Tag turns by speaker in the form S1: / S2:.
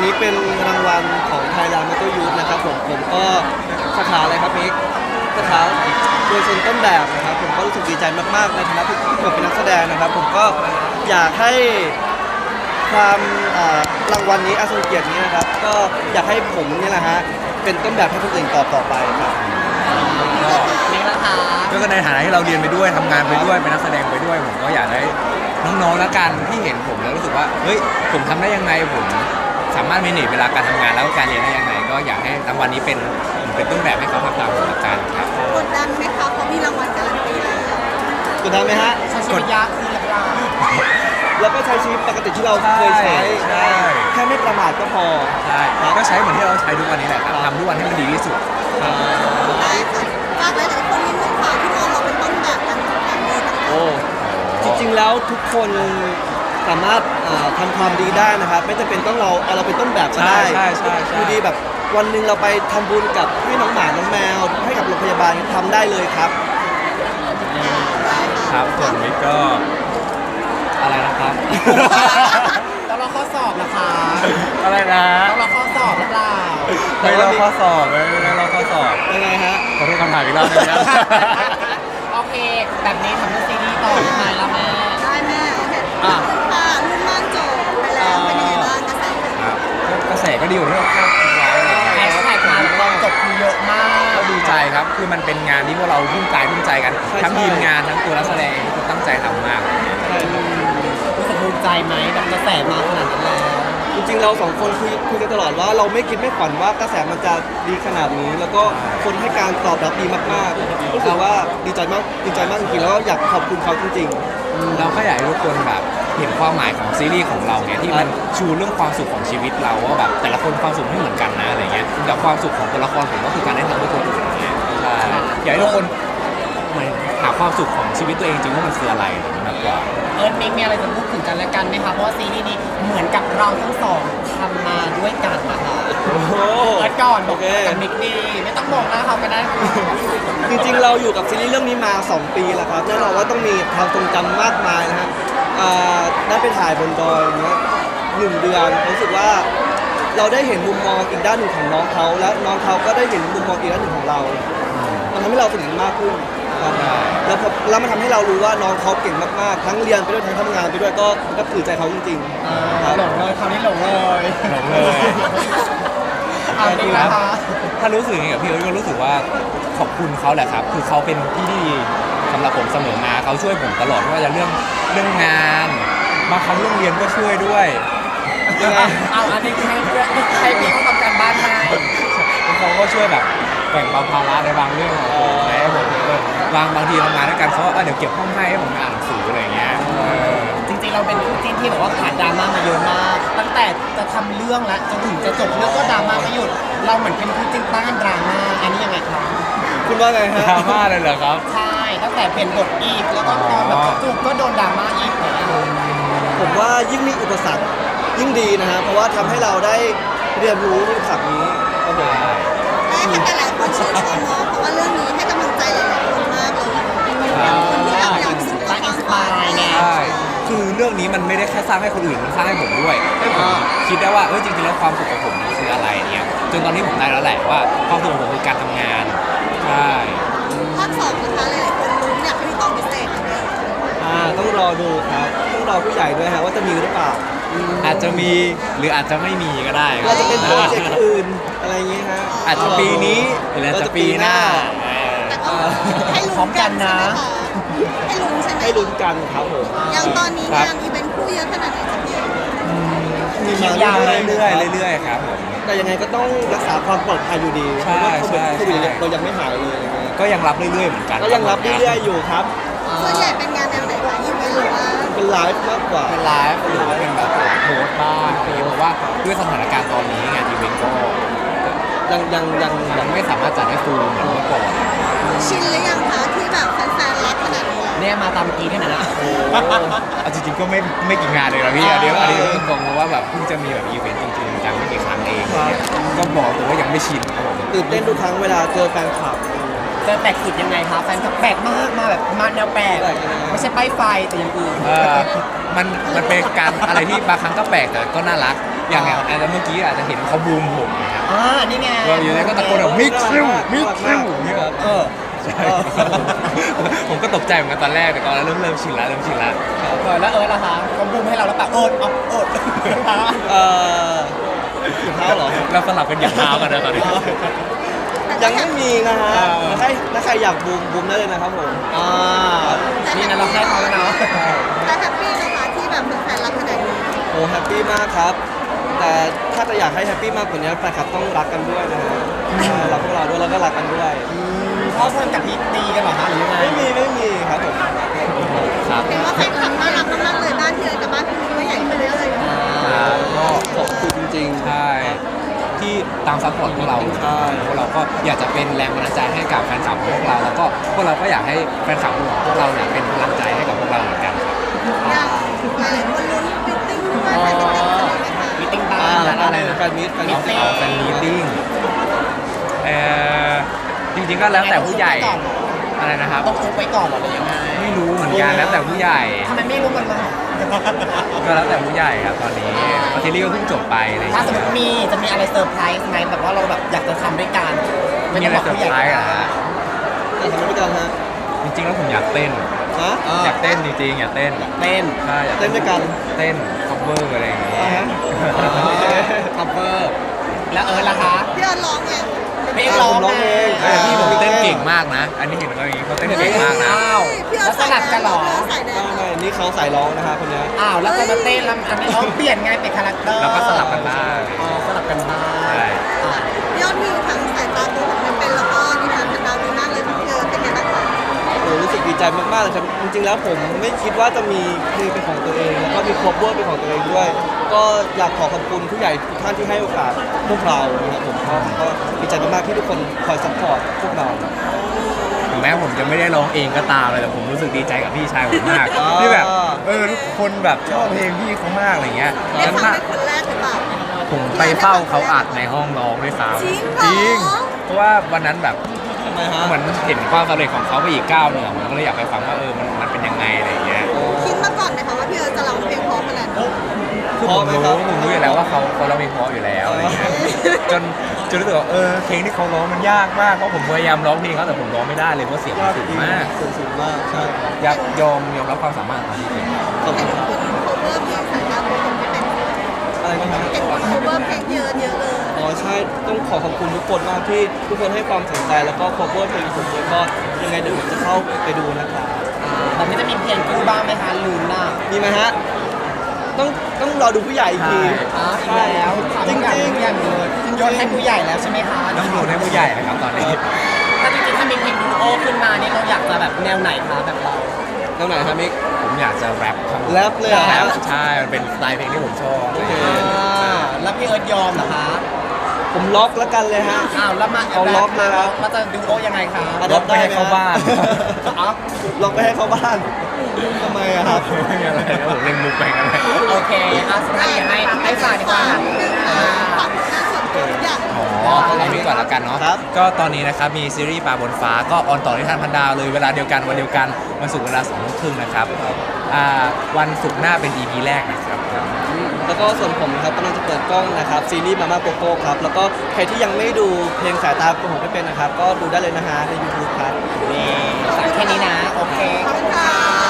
S1: นี้เป็นรางวัลของ Thailand Motor Youth นะครับผมก็สาขาอะไรครับมิกสาขาโดยชนต้นแบบนะครับผมก็รู้สึกดีใจมากๆในฐานะที่ผมเป็นนักแสดงนะครับผมก็อยากให้ความรางวัลนี้อาทรงเกียรตินี้นะครับก็อยากให้ผมเนี่ยแหละฮะเป็นต้นแบบให้คนอื่นต่อไปครับ
S2: นี่ละค่ะ
S3: ก็ในฐานะที่เราเรียนไปด้วยทำงานไปด้วยเป็นนักแสดงไปด้วยผมก็อยากให้น้องๆแล้วกันที่เห็นผมแล้วรู้สึกว่าเฮ้ยผมทำได้ยังไงผมสามารถเมเนจเวลาการทำงานแล้วก็การเรียนได้ยังไงก็อยากให้รางวัลนี้เป็นต้นแบบให้เขาทำตามหลักการครับ
S4: กดดันไหมคะเพราะมีรางวัลการันตีแล้ว
S1: กดดันไหมฮะ
S2: ใช้ชีวิตยากคือหลักเรา
S1: แล้วก็ใช้ชีวิตปกติที่เราเคยใช้แค่ไม่ประมาทก็พอ
S3: ใช่ก็ใช้เหมือนที่เราใช้ทุกวันนี้แหละครับทำทุกวันให้มันดีที่สุด
S4: ได้ค่ะฝากหลายๆคนนิดนึงค่ะที่มองเราเป็นต้นแบบการทำงานดีต่าง
S1: โอ้จริงๆแล้วทุกคนสามารถทำความดีได้นะครับไม่จำเป็นต้องเราเป็นต้นแบบก็ได้คือดีแบบวันหนึ่งเราไปทำบุญกับให้น้องหมาน้องแมวให้กับโรงพยาบาลทำได้เลยครับ
S3: ครับส่วนมิกก็อะไรนะครับ
S2: แล้วเราข้อสอบนะคะ
S3: อะไรนะ
S2: แล้วเราข้อสอบหรือเปล่า
S3: ไม่เราข้อสอบไม่เราข้อสอบ
S1: ยังไงฮะ
S3: ขอโทษคำถามอีกรอบนึงนะ
S2: โอเคแบบนี้ทำเรื่องซีรีส์ต่อได้ไหมล่ะแม่
S4: ได้แม่โอเคค่ะรุ่นม่านจบไปแล้วเป็นยังไงบ้าง
S3: กระแสก็ดีอยู่ที่เราคาดไว้
S2: แฮชแท็กมาตอนจบคือเยอะมาก
S3: ก็ดีใจครับคือมันเป็นงานที่พวกเราทุ่มใจกันทั้งทีมงานทั้งตัวนักแสดงทุกคนตั้งใจทำมาก
S2: รู้สึกภูมิใจไหมกับกระแสมาขนาดนั้นแล้ว
S1: จริงๆเราสองคนคุยกันตลอดว่าเราไม่คิดไม่ฝันว่ากระแสมันจะดีขนาดนี้แล้วก็คนให้การตอบรับดีมากๆรู้สึกว่าดีใจมากจริงๆแล้วอยากขอบคุณเขาจริง
S3: ๆเราก็อยากให้ทุกคนแบบเห็นความหมายของซีรีส์ของเราเนี่ยที่มันชูเรื่องความสุขของชีวิตเราว่าแบบแต่ละคนความสุขไม่เหมือนกันนะอะไรเงี้ยแต่ความสุขของตัวละครผมก็คือการได้ทำเพื่อคนอื่นอย่างเงี้ยใช่อยากให้ทุกคนหาความสุขของชีวิตตัวเองจริงว่ามันคืออะไรมากกว่า
S2: มิกมีอะไรจะพูดถึงกันและกันไหมคะเพราะว่าซีรีส์นี้เหมือนกับเราทั้งสองทำมาด้วยกันนะคะก่อนบอกกับมิกดีไม่ต้องบอกนะเขาก็ได้
S1: จริงๆเราอยู่กับซีรีส์เรื่องนี้มา2 ปีแล้วครับแน่นอนว่าต้องมีความทรงจำมากมายนะฮะได้ไปถ่ายบนดอยอย่างเงี้ย1 เดือนรู้สึกว่าเราได้เห็นมุมมองอีกด้านหนึ่งของน้องเขาและน้องเขาก็ได้เห็นมุมมองอีกด้านหนึ่งของเรามันทำให้เราสนิทมากขึ้นแล้วมันทำให้เรารู้ว่าน้องเขาเก่งมากๆทั้งเรียนไปด้วยทั้งทำงานไปด้วยก็ถือใจเขาจริง
S2: ๆหลงเลยคราวนี้หลงเลย
S3: จริงๆแล้วถ้ารู้สึกอย่างกับพี่เอิร์ธก็รู้สึกว่าขอบคุณเขาแหละครับคือเขาเป็นพี่ที่ดีสำหรับผมเสมอมาเขาช่วยผมตลอดไม่ว่าจะเรื่องงานบางครั้งเรื่องเรียนก็ช่วยด้วย
S2: เอาอันนี้ให้พี่เขาทำการบ้านให้
S3: เขาก็ช่วยแบบแบ่งเบาภาระในบางเรื่องของผมให้ผมบางทีทำงานด้วยกันเขาเดี๋ยวเก็บห้องให้ผมอ่านหนังสืออะไรเงี้ย
S2: จริงๆเราเป็นคู่จิ้นที่แบบว่าผ่านดราม่ามาเยอะมากตั้งแต่จะทำเรื่องและจนถึงจะจบเรื่องก็ดราม่าไม่หยุดเราเหมือนเป็นคู่จิ้นต้านดราม่าอันนี้ยังไงครับ
S1: คุณว่าไงฮะ
S3: ดราม่าเลยเหรอครับ
S2: ใช่ตั้งแต่เป็นบทอีกแล้วก็ตอนแบบจูบก็โดนดราม่าอีก
S1: ผมว่ายิ่งมีอุปสรรคยิ่งดีนะฮะเพราะว่าทำให้เราได้เรียนรู้อุปสรรคนี้ครับผม
S4: ได้ให้หลายคนชื่นชมเนาะเพราะว่าเรื่องนี้ให้กำลังใจหลายๆคนมากเลยคนที่อยากสู้กับความฝัน
S2: ไง
S3: ใช่คือเรื่องนี้มันไม่ได้แค่สร้างให้คนอื่นมันสร้างให้ผมด้วยให้ผมคิดได้ว่าจริงๆแล้วความสุขของผมคืออะไรเนี่ยจนตอนนี้ผมได้แล้วแหละว่าความสุขของผมคือการทำงานใช่
S4: ภาค 2นะคะหลายๆคนลุ้นอยากให้มีตอนพิเศษ
S1: ต้องรอดูครับต้องรอผู้ใหญ่ด้วยฮะว่าจะมีหรือเปล่า
S3: อาจจะมีหรืออาจจะไม่มีก็ได้
S1: อาจจะเป็นโปรเจกต์อื่นอะไรอย่างงี้ฮะ
S3: อาจจะปีนี้หรืออาจจะปีหน้า
S4: ให้ลุ้นกันนะให้ลุ้นใช่ไหม
S1: ให้ลุ้นกันครับผม
S4: อย่างตอนนี้งานอีเวนต์คู่เยอะขนาดไหนจะพี่
S3: มีมายาวเรื่อยๆครับผม
S1: แต่ยังไงก็ต้องรักษาความปลอดภัยอยู่ดีเพราะว่าโควิดเรายังไม่หายเลย
S3: ก็ยังรับเรื่อยๆเหมือนกัน
S1: ก็ยังรับเรื่อยๆอยู่ครับ
S4: ส่วนใหญ่เป็นงานแนวไหนคะอีเวนต์หรือว่า
S1: เป็นไลฟ์มากกว่า
S3: เป็นไลฟ์หรือว่าเป็นแบบโพสต์บ้างเพราะว่าด้วยสถานการณ์ตอนนี้งานอีเวนต์ก็ยังไม่สามารถจัดให้ฟูลเหมือนเมื่อก่อน
S4: ชินหรือยังคะที่แบบแฟนๆรักขนาดนี้
S2: เนี่ยมาตามกีที่ไหนนะ
S3: จริงๆก็ไม่กี่งานเลยนะพี่อันนี้ตรงๆเพราะว่าแบบเพิ่งจะมีแบบอีเวนต์จริงๆจังไม่กี่ครั้งเองก็บอกเลยว่ายังไม่ชินครับผม
S1: ตื่นเต้นทุกครั้งเวลาเจอแฟนคลับ
S2: แปลกสุดยังไงคะแฟนคลับแปลกมากมาแบบมาแนวแปลกไม่ใช่ป้ายไฟแต่อย่างอื่น
S3: มันเป็นการอะไรที่บางครั้งก็แปลกแต่ก็น่ารักอย่างอันเมื่อกี้อาจจะเห็นเขาบูมผมนะครับ
S2: นี่ไง
S3: เราอยู่ในก็ตะโกนแบบมิกซิลมิกซิลเนี่ย
S1: ครับ
S3: ใช่ผมก็ตกใจเหมือนกันตอนแรกแต่ตอนนั้นเริ่มชินแล้ว
S2: แล้วล่ะคะเขาบูมให้เราแล้วปะเอิร์ด
S1: ถุงเท้าเหรอ
S3: เราสลับกันอย่างเท้ากันนะตอนนี้
S1: ยังไม่มีนะฮะถ้าใครอยากบูมได้เลยนะครับผม
S2: นี่นะเราให้เขาแล้วเนาะ
S4: แต่แฮปปี้นะคะที่แบบแฟนๆรักขนาดนี้
S1: โอ้แฮปปี้มากครับ แต่ถ้าจะอยากให้แฮปปี้มากกว่านี้แฟนคลับต้องรักกันด้วยนะฮะรักพวกเราด้วยแล้วก็รักกันด้วย
S2: พ่อเพื่อนกับพี่ตีกันเหรอคะหรือยังไง
S1: ไม่มีครับผม
S3: ครับ
S4: เห็นว่าแฟนคลับน่ารักมากๆเลยบ้านที่เลยกับบ้านพี่มิ้งก็ใหญ่ขึ้นเรื่อยๆเลย
S1: ก็ขอบคุณจริงๆ
S3: ใช่ที่ตามซัพพอร์ตพวกเรา
S1: ใช่
S3: พวกเราก็อยากจะเป็นแรงบันดาลใจให้กับแฟนคลับของพวกเราแล้วก็พวกเราก็อยากให้แฟนคลับของพวกเราเนี่ยเป็นพลังใจให้กับพวกเราเหมือนกันครับ
S4: อย่างหลายๆคนลุ้นฟิตติ้งด้วยแฟนมิตติ้งจะมีไหมคะ
S2: มีติ้งบ้าน
S1: อะไรนะแฟนมิต
S3: เอาแฟนมีตติ้งจริงๆก็แล้วแต่ผู้ใหญ่อะไรนะครับ
S2: ต้องอุบไปก่อนเหรอหรือยังไง
S3: ไม่รู้เหมือนกันแล้วแต่ผู้ใหญ่
S2: ทำไมไม่รู้มันมา
S3: ก็แล้วแต่ผู้ใหญ่ครับตอนนี้ซีรีส์ก็เพิ่งจบไปอะไรอย่าง
S2: ถ้า
S3: เงี้ย
S2: สมมติจะมีอะไรเซอร์ไพรส์ไหมแบบว่าเราแบบอยากจะทำด้วยกัน
S3: มีอะไรเซอร์ไพรส์อะฮะ
S1: แต่ทำไมไม่กันฮะ
S3: จริงๆแล้วผมอยากเต้น
S1: ฮะ
S3: อยากเต้นจริงๆอยากเต้น
S2: เต้น
S3: ใช่อยาก
S1: เต้นด้วยกัน
S3: เต้น cover อะไรอย่างเงี้ย
S2: คัฟเวอร์แล้วล่ะคะ
S4: พี่เอิญร้องไง
S2: พี่ร้อง
S1: ผมร้องเอง
S3: พี่ผมเต้นเก่งมากนะ อันนี้เห็นว่าอย่างงี้เขาเต้นเก่งมากนะ
S2: อ้าว
S4: พี่เอิ
S2: แล้
S4: ญ
S2: วสลับกันเหรอ
S4: ใส่แดง
S1: ไม่นี่เขาสายร้องนะคะคนนี้
S2: อ้าวแล้วก็มาเต้นแล้วอันนี้เขาเปลี่ยนไงเป็นคาแรคเตอร์
S3: แล้วก็สลับกันบ้าง
S2: สลับกันบ้าง
S3: ใช่
S4: ยอดวิวทั้งสายตาตัวของเป็นแล้วก็นิทานพันดาวดีมากเลยพี่เอิญเป็นไงบ้างคะ
S1: โอ้รู้สึกดีใจมากๆเลยครับจริงๆแล้วผมไม่คิดว่าจะมีเพลงเป็นของตัวเองแล้วก็มีครอบครัวเป็นของตัวเองด้วย ก็อยากขอขอบคุณผู้ใหญ่ทุกท่านที่ให้โอกาสพวกเรานะครับผมก็ดีใจมากๆที่ทุกคนคอยซัพพอร์ตพวกเรา
S3: ถึงแม้ผมจะไม่ได้ร้องเองก็ตามเลยแต่ผมรู้สึกดีใจกับพี่ชายผมมาก
S1: อ๋อ
S3: ที่แบบทุกคนแบบชอบเพลงพี่เขามากอะไรเงี้ย
S4: ได้
S3: งั้น
S4: ฟัง
S3: ถ้า
S4: เป็นคนแรกหรือเปล่า
S3: ผมไปเฝ้าเขาอัดในห้องร้องด้วยซ้ำ
S4: จริงเหรอ
S3: เพราะว่าวันนั้นแบบ
S1: ทำไมฮะ
S3: เหมือนเห็นความสำเร็จของเขาไปอีกก้าวหนึ่งอะผมก็เลยอยากไปฟังว่ามันเป็นยังไงอะไรอย่างเงี้ย
S4: คิดมาก่อนไหมคะว่าพี่เอิญจะร้องเพลงเพราะขนาดนี้
S3: คือผมรู้อยู่แล้วว่าเขาร้องเพลงเพราะอยู่แล้วอะไรเงี้ยจนรู้สึกว่าเพลงที่เขาร้องมันยากมากเพราะผมพยายามร้องเพลงเขาแต่ผมร้องไม่ได้เลยเพราะเสียงมันสูงมาก
S1: สูงมากใช่
S3: อยากยอมรับความสามารถของพี่เอง
S1: ขอบ
S4: เห็
S1: คุ
S4: น
S1: ณครับ
S4: คุณ cover เพลงสายตาตัวผมไม่เป็น
S1: อะไรกันนะ
S4: เห็นคุณ cover เพลงเยอะเลย
S1: อ๋อใช่ต้องขอขอบคุณทุกคนมากที่ทุกคนให้ความสนใจแล้วก็ cover เพลงผมด้วยก็ยังไงเดี๋ยวผมจะเข้าไปดูนะครับ
S2: แต่ไม่จะมีเพลงคู่บ้างไหมคะลุ้นน่ะ
S1: มีไหมฮะต้องรอดูผู้ใหญ่อีกที
S2: อีกแล้ว
S1: จริง
S2: ผู้ใหญ่เลยโยนให้ผู้ใหญ่แล้วใช่ไหมคะ
S3: ต้องดูให้ผู้ใหญ่นะครับตอนนี้
S2: ถ้าจริงๆถ้ามีเพลงดูโอขึ้นมานี่เราอยากจะแบบแนวไหนคะแบบเรา
S1: ๆแล้วไหนครับมิก
S3: ผมอยากจะแรปครับ
S1: แรปเลยเหรอ
S3: แร
S1: ครั
S3: ป
S1: บ
S3: ใช่มันเป็นสไตล์เพลงที่ผมชอบอะไรอย่าง
S1: โอ
S3: เงี้ย
S1: เค
S2: แล้วพี่เอิร์ธยอมเหรอคะ
S1: ผมล็อกแล้วกันเลยฮะ
S2: อ้าวแล้วมา
S1: เอาล็อกเลยครับ
S2: แล้วจะดูโอยังไงคะ
S1: อ่ะ
S3: ล็อกไม่ให้เข้าบ้าน
S2: อ๋อ
S1: ล็อกไปให้เข้าบ้านทำไมอะครับ
S3: ไม่มีอะไรนะผมเล่นมุกไปกันเลย
S2: โอเคสุดท้ายอยากให้ฝากดีกว่าค่ะ
S4: ฝากงานส่วนตัวทุกอย่าง
S3: อ๋อเอานี้ก่อนละกันเนาะ
S1: ครับ
S3: ก็ตอนนี้นะครับมีซีรีส์ปลาบนฟ้าก็ออนต่อที่ทานพันดาวเลยเวลาเดียวกันวันเดียวกันวันศุกร์เวลา2:30นะครับวันศุกร์หน้าเป็น EP แรกนะครับ
S1: แล้วก็ส่วนผมนะครับกำลังจะเปิดกล้องนะครับซีรีส์มาม่าโกโก้ครับแล้วก็ใครที่ยังไม่ดูเพลงสายตาของผมไม่เป็นนะครับก็ดูได้เลยนะฮะใน YouTube ครับ
S2: นี่ฝากแค่นี้นะ โอเค
S4: ขอบคุณค่ะ